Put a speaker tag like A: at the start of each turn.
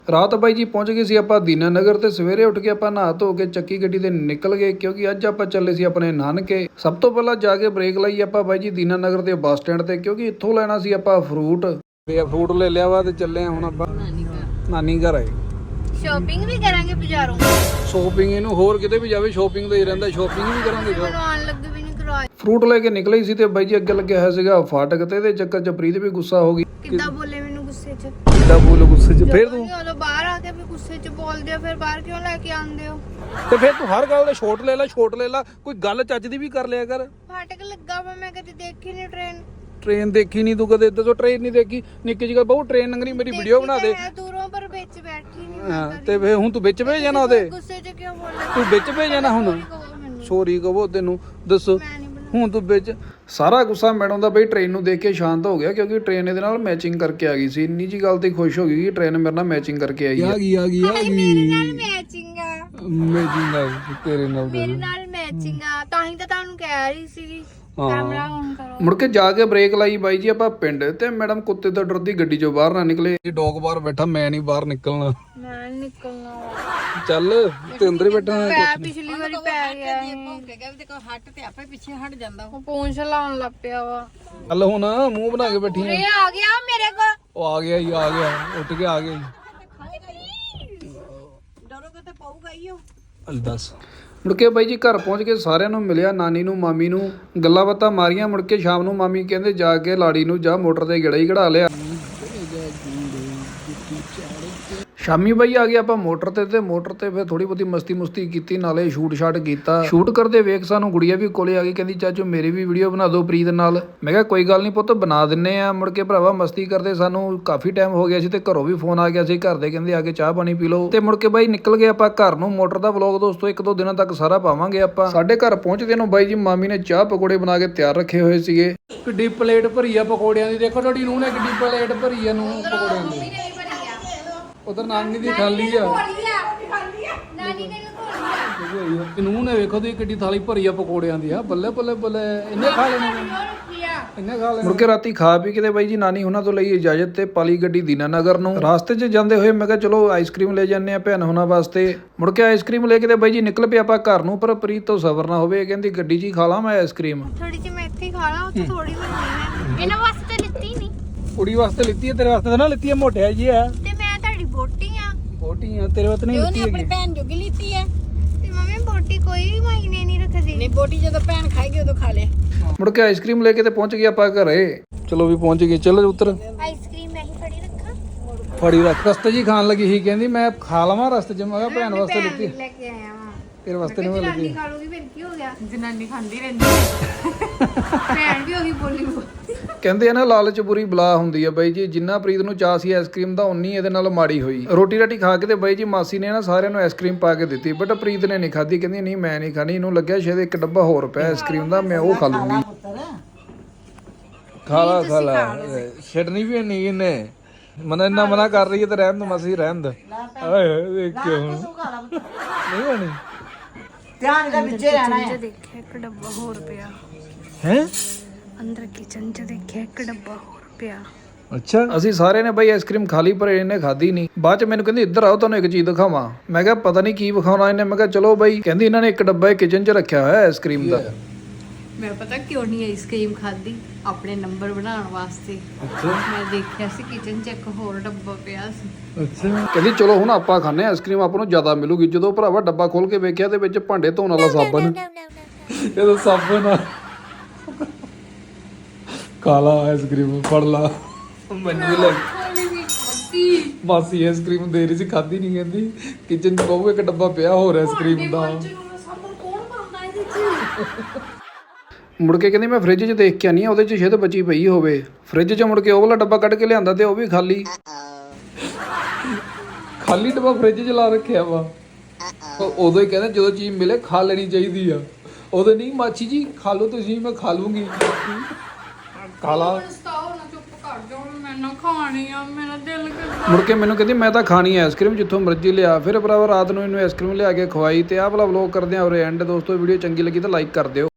A: ਰਾਤ ਬਾਈ ਜੀ ਪਹੁੰਚ ਗਏ ਸੀ ਆਪਾਂ ਦੀਨਾਨਗਰ ਤੇ ਸਵੇਰੇ ਉੱਠ ਕੇ ਆਪਾਂ ਨਹਾ ਧੋ ਕੇ ਚੱਕੀ ਗੱਡੀ ਤੇ ਨਿਕਲ ਗਏ ਕਿਉਂਕਿ ਅੱਜ ਆਪਾਂ ਚੱਲੇ ਸੀ ਆਪਣੇ ਨਾਨਕੇ। ਸਭ ਤੋਂ ਪਹਿਲਾਂ ਜਾ ਕੇ ਬ੍ਰੇਕ ਲਾਈ ਆਪਾਂ ਬਾਈ ਜੀ ਦੀਨਾਨਗਰ ਦੇ ਬੱਸ ਸਟੈਂਡ ਤੇ ਕਿਉਂਕਿ ਇੱਥੋਂ ਲੈਣਾ ਸੀ ਆਪਾਂ ਫਰੂਟ ਤੇ ਫਰੂਟ ਲੈ ਲਿਆ ਵਾ ਤੇ ਚੱਲੇ ਹੁਣ ਆਪਾਂ ਨਾਨੀ ਘਰ ਆਏ।
B: ਸ਼ਾਪਿੰਗ ਵੀ ਕਰਾਂਗੇ ਬਾਜ਼ਾਰੋਂ।
A: ਸ਼ੋਪਿੰਗ ਇਹਨੂੰ ਹੋਰ ਕਿਤੇ ਵੀ ਜਾਵੇ ਸ਼ੋਪਿੰਗ ਦਾ ਹੀ ਰਹਿੰਦਾ, ਸ਼ੋਪਿੰਗ ਵੀ ਕਰਾਂਗੇ।
B: ਆਉਣ ਲੱਗੇ ਵੀ ਨਹੀਂ ਕਰਵਾਏ।
A: ਫਰੂਟ ਲੈ ਕੇ ਨਿਕਲੇ ਹੀ ਸੀ ਤੇ ਬਾਈ ਜੀ ਅੱਗੇ ਲੱਗਿਆ ਹੋਇਆ ਸੀਗਾ ਫਾਟਕ ਤੇ ਇਹਦੇ ਚੱਕਰ ਚ ਪ੍ਰੀਤ ਵੀ ਗੁੱਸਾ ਹੋ ਗਈ।
B: ਕਿੱਦਾਂ ਬੋਲੇ ਮੈਨੂੰ ਗੁੱਸੇ 'ਚ?
A: ਕਿੱਦਾਂ ਬੋਲ ਗੁੱਸੇ ਚ? ਫੇਰ ਤੂੰ
B: ਉਦੋਂ ਬਾਹਰ ਆ ਕੇ ਵੀ ਗੁੱਸੇ 'ਚ ਬੋਲਦੇ ਹੋ, ਫਿਰ ਬਾਹਰ ਕਿਉਂ ਲੈ ਕੇ ਆਉਂਦੇ ਹੋ?
A: ਤੇ ਫੇਰ ਤੂੰ ਹਰ ਗੱਲ ਦੇ ਛੋਟ ਲੈ ਲਾ, ਕੋਈ ਗੱਲ ਚੱਜ ਦੀ ਵੀ ਕਰ ਲਿਆ ਕਰ।
B: ਫਾਟਕ ਲੱਗਾ ਵਾ, ਮੈਂ ਕਦੇ ਦੇਖੀ ਨਹੀਂ
A: ਟ੍ਰੇਨ ਦੇਖੀ ਨਹੀਂ ਤੂੰ ਕਦੇ? ਇੱਧਰ ਤੋਂ ਟ੍ਰੇਨ ਨਹੀਂ ਦੇਖੀ? ਨਿੱਕੀ ਜਿਹੀ ਬਹੁਤ ਟ੍ਰੇਨ ਲੰਘਣੀ, ਮੇਰੀ ਵੀਡੀਓ ਬਣਾ ਦੇ।
B: ਦੂਰੋਂ ਪਰ ਵਿੱਚ ਬੈਠੀ ਨਹੀਂ
A: ਹਾਂ ਤੇ ਫੇਰ ਹੁਣ ਤੂੰ ਵਿੱਚ ਭੇਜ ਜਾਣਾ ਉਹਦੇ?
B: ਗੁੱਸੇ 'ਚ ਕਿਉਂ ਬੋਲਦੇ?
A: ਤੂੰ ਵਿੱਚ ਭੇਜ ਜਾਣਾ ਹੁਣ? ਸੋਰੀ ਕਹੋ ਤੈਨੂੰ ਦੱਸੋ ਹੁਣ ਤੂੰ ਵਿੱਚ। ਸਾਰਾ ਗੁੱਸਾ ਮੈਡਮ ਦਾ ਬਈ ਟ੍ਰੇਨ ਨੂੰ ਦੇਖ ਕੇ ਸ਼ਾਂਤ ਹੋ ਗਿਆ ਕਿਉਂਕਿ ਟ੍ਰੇਨ ਇਹਦੇ ਨਾਲ ਮੈਚਿੰਗ ਕਰਕੇ ਆ ਗਈ ਸੀ। ਇੰਨੀ ਜੀ ਗੱਲ ਤੇ ਖੁਸ਼ ਹੋ ਗਈ ਕਿ ਟ੍ਰੇਨ ਮੇਰੇ ਨਾਲ ਮੈਚਿੰਗ ਕਰਕੇ ਆਈ ਹੈ।
B: ਮੇਰੇ ਨਾਲ ਮੈਚਿੰਗ ਆ
A: ਤੇਰੇ ਨਾਲ
B: ਮੇਰੇ ਨਾਲ ਮੈਚਿੰਗ ਆ, ਤਾਂ ਹੀ ਤਾਂ ਤੁਹਾਨੂੰ ਕਹਿ ਰਹੀ ਸੀ ਕੈਮਰਾ ਔਨ ਕਰੋ।
A: ਮੁੜ ਕੇ ਜਾ ਕੇ ਬ੍ਰੇਕ ਲਾਈ ਬਾਈ ਜੀ ਆਪਾਂ ਪਿੰਡ ਤੇ ਮੈਡਮ ਕੁੱਤੇ ਤੋਂ ਡਰਦੀ ਗੱਡੀ ਚੋਂ ਬਾਹਰ ਨਾ ਨਿਕਲੇ। ਇਹ ਡੌਗ ਬਾਹਰ ਬੈਠਾ, ਮੈਂ ਨਹੀਂ ਬਾਹਰ ਨਿਕਲਣਾ।
B: ਮੈਂ ਨਿਕਲਣਾ
A: ਚੱਲ ਤੇ ਅੰਦਰ ਹੀ ਬੈਠਾ।
B: ਪਿਛਲੀ ਵਾਰੀ ਪੈ ਗਿਆ
C: ਹੱਟ ਤੇ ਆਪੇ ਪਿੱਛੇ ਹਟ ਜਾਂਦਾ।
B: ਉਹ ਪੂੰਛ ਲਾਉਣ ਲੱਗ ਪਿਆ ਵਾ।
A: ਚੱਲ ਹੁਣ ਮੂੰਹ ਬਣਾ ਕੇ ਬੈਠੀ ਆ।
B: ਇਹ ਆ ਗਿਆ ਮੇਰੇ ਕੋਲ।
A: ਉਹ ਆ ਗਿਆ ਹੀ, ਆ ਗਿਆ ਉੱਠ ਕੇ ਆ ਗਿਆ।
C: ਡਰੋਗੇ ਤੇ ਪਊਗਾ ਹੀ ਉਹ।
A: ਦੱਸ। ਮੁੜ ਕੇ ਬਾਈ ਜੀ ਘਰ ਪਹੁੰਚ ਕੇ ਸਾਰਿਆਂ ਨੂੰ ਮਿਲਿਆ, ਨਾਨੀ ਨੂੰ ਮਾਮੀ ਨੂੰ ਗੱਲਾਂ ਬਾਤਾਂ ਮਾਰੀਆਂ। ਮੁੜ ਕੇ ਸ਼ਾਮ ਨੂੰ ਮਾਮੀ ਕਹਿੰਦੇ ਜਾ ਕੇ ਲਾੜੀ ਨੂੰ ਜਾ ਮੋਟਰ ਤੇ ਗੇੜਾ ਹੀ ਕਢਾ ਲਿਆ। ਸ਼ਾਮੀ ਬਾਈ ਆ ਗਏ ਆਪਾਂ ਮੋਟਰ ਤੇ ਮੋਟਰ ਤੇ ਫਿਰ ਥੋੜੀ ਬਹੁਤੀ ਮਸਤੀ ਕੀਤੀ, ਨਾਲੇ ਸ਼ੂਟ ਸ਼ਾਟ ਕੀਤਾ। ਸ਼ੂਟ ਕਰਦੇ ਵੇਖ ਸਾਨੂੰ ਗੁੜੀਆ ਵੀ ਕੋਲੇ ਆ ਗਈ, ਕਹਿੰਦੀ ਚਾਚੂ ਮੇਰੀ ਵੀ ਵੀਡੀਓ ਬਣਾ ਦਿਓ ਪ੍ਰੀਤ ਨਾਲ। ਮੈਂ ਕਿਹਾ ਕੋਈ ਗੱਲ ਨਹੀਂ ਪੁੱਤ ਬਣਾ ਦਿੰਨੇ ਆ। ਮੁੜ ਕੇ ਭਰਾਵਾ ਮਸਤੀ ਕਰਦੇ ਸਾਨੂੰ ਕਾਫੀ ਟਾਈਮ ਹੋ ਗਿਆ ਸੀ ਤੇ ਘਰੋਂ ਵੀ ਫੋਨ ਆ ਗਿਆ ਸੀ, ਘਰ ਦੇ ਕਹਿੰਦੇ ਆ ਕੇ ਚਾਹ ਪਾਣੀ ਪੀ ਲਓ। ਤੇ ਮੁੜ ਕੇ ਬਾਈ ਨਿਕਲ ਗਏ ਆਪਾਂ ਘਰ ਨੂੰ। ਮੋਟਰ ਦਾ ਵਲੌਗ ਦੋਸਤੋ 1-2 ਦਿਨਾਂ ਤੱਕ ਸਾਰਾ ਪਾਵਾਂਗੇ ਆਪਾਂ। ਸਾਡੇ ਘਰ ਪਹੁੰਚਦੇ ਨੂੰ ਬਾਈ ਜੀ ਮਾਮੀ ਨੇ ਚਾਹ ਪਕੌੜੇ ਬਣਾ ਕੇ ਤਿਆਰ ਰੱਖੇ ਹੋਏ ਸੀਗੇ। ਕਿੱਡੀ ਪਲੇਟ ਭਰੀ ਆ ਪਕੌੜਿਆਂ ਦੀ, ਦੇਖੋ ਤੁਹਾਡੀ ਨੂੰਹ ਨੇ ਕਿੱਡੀ ਪਲੇਟ ਭਰੀ ਆ ਨੂੰ ਪਕੌੜਿਆਂ ਦੀ। ਉਧਰ ਨਾਨੀ ਦੀ ਖਾਲੀ ਆ,
B: ਨਾਨੀ ਨੇ ਲਗੋਲੀ
A: ਨੂੰਹ ਨੇ ਵੇਖੋ ਦੀ ਕਿੱਡੀ ਥਾਲੀ ਭਰੀ ਆ ਪਕੌੜਿਆਂ ਦੀ ਆ। ਬੱਲੇ ਬੱਲੇ ਬੱਲੇ, ਇੰਨੇ ਖਾ ਲੈਣੇ ਇੰਨੇ ਖਾ ਲੈਣੇ। ਮੁੜ ਕੇ ਰਾਤੀ ਖਾ ਪੀ ਕੇ ਬਾਈ ਜੀ ਨਾਨੀ ਉਹਨਾਂ ਤੋਂ ਲਈ ਇਜਾਜ਼ਤ ਤੇ ਪਾਲੀ ਗੱਡੀ ਦੀਨਾਨਗਰ ਨੂੰ। ਰਾਸਤੇ 'ਚ ਜਾਂਦੇ ਹੋਏ ਮੈਂ ਕਿਹਾ ਚਲੋ ਆਈਸਕ੍ਰੀਮ ਲੈ ਜਾਂਦੇ ਆ ਭੈਣ ਹੁਣਾਂ ਵਾਸਤੇ। ਮੁੜ ਕੇ ਆਈਸਕ੍ਰੀਮ ਲੈ ਕੇ ਤੇ ਬਾਈ ਜੀ ਨਿਕਲ ਪਏ ਆਪਾਂ ਘਰ ਨੂੰ। ਪਰ ਪ੍ਰੀਤ ਤੋਂ ਸਬਰ ਨਾ ਹੋਵੇ, ਕਹਿੰਦੀ ਗੱਡੀ 'ਚ ਹੀ ਖਾ ਲਾਂ ਮੈਂ ਆਈਸਕ੍ਰੀਮ।
B: ਥੋੜੀ ਜਿਹੀ ਮੈਂ ਇੱਥੇ ਹੀ ਖਾ ਲਾਂ, ਉੱਥੇ ਥੋੜੀ ਬਣਨੀ। ਇਹਨਾਂ ਵਾਸਤੇ ਲਿੱਤੀ ਨਹੀਂ,
A: ਕੁੜੀ ਵਾਸਤੇ ਲਿੱਤੀ ਹੈ, ਤੇਰੇ ਵਾਸਤੇ ਤਾਂ ਨਾ ਲਿੱਤੀ ਹੈ, ਮੋਟਿਆ ਜੀ ਆ
B: ਤੇ ਮੈਂ ਤੁਹਾਡੀ ਬੋਟੀ ਆ।
A: ਬੋਟੀ ਆ ਤੇਰੇ ਵਾਸਤੇ ਨਹੀਂ
C: ਉਹਨੇ
A: ਲਿੱਤੀ
C: ਆਪਣੀ
A: ਹੈਗੀ।
C: ਭੈਣ ਜੋਗੀ ਲਿੱਤੀ ਹੈ।
B: ਤੇ ਮੰਮੀ ਬੋਟੀ ਕੋਈ ਮਾਇਨੇ ਨਹੀਂ ਰੱਖਦੀ।
C: ਨਹੀਂ ਬੋਟੀ ਜਦੋਂ ਭੈਣ ਖਾਏਗੀ ਉਦੋਂ ਖਾ ਲੈ।
A: ਮੁੜ ਕੇ ਆਈਸਕ੍ਰੀਮ ਲੈ ਕੇ ਤੇ ਪਹੁੰਚ ਗਏ ਆਪਾਂ ਘਰੇ। ਚਲੋ ਵੀ ਪਹੁੰਚ ਗਏ, ਚਲੋ ਉੱਤਰ।
B: ਆਈਸਕ੍ਰੀਮ ਮੈਂ ਹੀ ਫੜੀ ਰੱਖਾਂ?
A: ਫੜੀ ਰੱਖ। ਰਸਤੇ 'ਚ ਹੀ ਖਾਣ ਲੱਗੀ ਸੀ, ਕਹਿੰਦੀ ਮੈਂ ਖਾ ਲਵਾਂ ਰਸਤੇ 'ਚ। ਮੈਂ ਕਿਹਾ ਭੈਣ ਵਾਸਤੇ ਲਿੱਤੀ,
B: ਲੈ ਕੇ ਆਇਆ ਵਾਂ।
A: ਤੇਰੇ ਵਾਸਤੇ ਨਹੀਂ ਮੈਂ
B: ਜਨਾਨੀ
A: ਲੱਗੀ।
B: ਖਾ ਲੂਗੀ ਫਿਰ ਕੀ ਹੋ ਗਿਆ?
C: ਜਨਾਨੀ ਖਾਂਦੀ ਰਹਿੰਦੀ ਹੈ।
B: ਭੈਣ ਵੀ ਉਹੀ ਬੋਲੀ।
A: ਕਹਿੰਦੇ ਆ ਨਾ ਲਾਲਚ ਬੁਰੀ ਬਲਾ ਹੁੰਦੀ ਆ ਬਾਈ ਜੀ। ਜਿੰਨਾ ਪ੍ਰੀਤ ਨੂੰ ਚਾਅ ਸੀ ਆਈਸਕ੍ਰੀਮ ਦਾ, ਉਨੀ ਇਹਦੇ ਨਾਲ ਮਾੜੀ ਹੋਈ। ਰੋਟੀ ਰਾਟੀ ਖਾ ਕੇ ਤੇ ਬਾਈ ਜੀ ਮਾਸੀ ਨੇ ਨਾ ਸਾਰਿਆਂ ਨੂੰ ਆਈਸਕ੍ਰੀਮ ਪਾ ਕੇ ਦਿੱਤੀ, ਬਟ ਪ੍ਰੀਤ ਨੇ ਨਹੀਂ ਖਾਧੀ। ਕਹਿੰਦੀ ਨਹੀਂ ਮੈਂ ਨਹੀਂ ਖਾਣੀ, ਇਹਨੂੰ ਲੱਗਿਆ ਸ਼ਾਇਦ ਇੱਕ ਡੱਬਾ ਹੋਰ ਪਿਆ ਆਈਸਕ੍ਰੀਮ ਦਾ, ਮੈਂ ਉਹ ਖਾ ਲੂੰਗੀ। ਖਾ ਲਾ ਛੱਡਣੀ ਵੀ ਨਹੀਂ ਇਹਨੇ। ਮਨਾ ਇੰਨਾ ਮਨਾ ਕਰ ਰਹੀ ਹੈ ਤੇ ਰਹਿਣ ਦੋ ਮਾਸੀ, ਰਹਿਣ ਦੋ। ਓਏ ਦੇਖ ਕੇ ਹੁਣ ਨਹੀਂ ਹੋਣੀ।
C: ਧਿਆਨ ਦਾ ਵਿੱਚੇ ਰਹਿਣਾ ਹੈ।
B: ਦੇਖਿਆ ਇੱਕ ਡੱਬਾ ਹੋਰ ਪਿਆ
A: ਹੈ
B: ਅੰਦਰ ਕਿਚਨ 'ਚ, ਦੇਖਿਆ ਇੱਕ ਡੱਬਾ ਹੋਰ ਪਿਆ।
A: ਅੱਛਾ ਅਸੀਂ ਸਾਰਿਆਂ ਨੇ ਬਾਈ ਆਈਸਕ੍ਰੀਮ ਖਾ ਲਈ ਪਰ ਇਹਨੇ ਖਾਧੀ ਨਹੀਂ। ਬਾਅਦ ਚ ਮੈਨੂੰ ਕਹਿੰਦੀ ਇੱਧਰ ਆਓ ਤੁਹਾਨੂੰ ਇੱਕ ਚੀਜ਼ ਦਿਖਾਵਾਂ। ਮੈਂ ਕਿਹਾ ਪਤਾ ਨਹੀਂ ਕੀ ਵਿਖਾਉਣਾ ਇਹਨੇ। ਮੈਂ ਕਿਹਾ ਚਲੋ ਬਾਈ। ਕਹਿੰਦੀ ਇਹਨਾਂ ਨੇ ਇੱਕ ਡੱਬਾ ਕਿਚਨ 'ਚ ਰੱਖਿਆ ਹੋਇਆ ਆਈਸਕ੍ਰੀਮ ਦਾ।
C: ਮੈਂ ਪਤਾ ਕਿਉਂ ਨਹੀਂ ਆਈਸਕ੍ਰੀਮ ਖਾਦੀ? ਆਪਣੇ ਨੰਬਰ ਬਣਾਉਣ ਵਾਸਤੇ। ਮੈਂ ਦੇਖਿਆ ਸੀ ਕਿਚਨ 'ਚ ਇੱਕ ਹੋਰ ਡੱਬਾ ਪਿਆ ਸੀ।
A: ਅੱਛਾ ਕਹਿੰਦੀ ਚਲੋ ਹੁਣ ਆਪਾਂ ਖਾਣੇ ਆਈਸਕ੍ਰੀਮ, ਆਪਾਂ ਨੂੰ ਜ਼ਿਆਦਾ ਮਿਲੂਗੀ। ਜਦੋਂ ਭਰਾਵਾ ਡੱਬਾ ਖੋਲ ਕੇ ਵੇਖਿਆ ਤੇ ਵਿੱਚ ਭਾਂਡੇ ਧੋਣ ਵਾਲਾ ਸਾਬਣ। ਇਹਦਾ ਸਾਬਣ ਆ। ਕਾਲਾ ਆਈਸਕ੍ਰੀਮ ਫੜ ਲਾ। ਮੈਨੂੰ ਵੀ ਲੱਗ ਮਾਸੀ ਆਈਸਕ੍ਰੀਮ ਦੇ ਰਹੀ ਸੀ, ਖਾਦੀ ਨਹੀਂ। ਕਹਿੰਦੀ ਕਿਚਨ 'ਚ ਬਹੁਤ ਇੱਕ ਡੱਬਾ ਪਿਆ ਹੋਰ ਆਈਸਕ੍ਰੀਮ ਦਾ। ਮੁੜ ਕੇ ਕਹਿੰਦੀ ਮੈਂ ਫ੍ਰਿਜ 'ਚ ਦੇਖ ਕੇ ਆਨੀ ਆ, ਉਹਦੇ 'ਚ ਸ਼ਾਇਦ ਬਚੀ ਪਈ ਹੋਵੇ। ਫ੍ਰਿਜ 'ਚ ਮੁੜ ਕੇ ਉਹ ਵਾਲਾ ਡੱਬਾ ਕੱਢ ਕੇ ਲਿਆਂਦਾ ਤੇ ਉਹ ਵੀ ਖਾਲੀ ਡੱਬਾ ਫ੍ਰਿਜ 'ਚ ਲਾ ਰੱਖਿਆ ਵਾ। ਉਦੋਂ ਹੀ ਕਹਿੰਦਾ ਜਦੋਂ ਚੀਜ਼ ਮਿਲੇ ਖਾ ਲੈਣੀ ਚਾਹੀਦੀ ਆ। ਉਦੋਂ ਨਹੀਂ ਮਾਚੀ ਜੀ ਖਾ ਲਓ ਤੁਸੀਂ, ਮੈਂ ਖਾ ਲੂੰਗੀ। ਖਾ ਲਾ। ਮੁੜ ਕੇ ਮੈਨੂੰ ਕਹਿੰਦੀ ਮੈਂ ਤਾਂ ਖਾਣੀ ਹੈ ਆਈਸਕ੍ਰੀਮ ਜਿੱਥੋਂ ਮਰਜ਼ੀ ਲਿਆ। ਫਿਰ ਭਰਾਵਾ ਰਾਤ ਨੂੰ ਇਹਨੂੰ ਆਈਸਕ੍ਰੀਮ ਲਿਆ ਕੇ ਖਵਾਈ। ਤੇ ਆਹ ਵਾਲਾ ਵਲੋਗ ਕਰਦੇ ਆ ਉਰੇ ਐਂਡ। ਦੋਸਤੋ ਵੀਡੀਓ ਚੰਗੀ ਲੱਗੀ ਤਾਂ ਲਾਈਕ ਕਰ ਦਿਓ।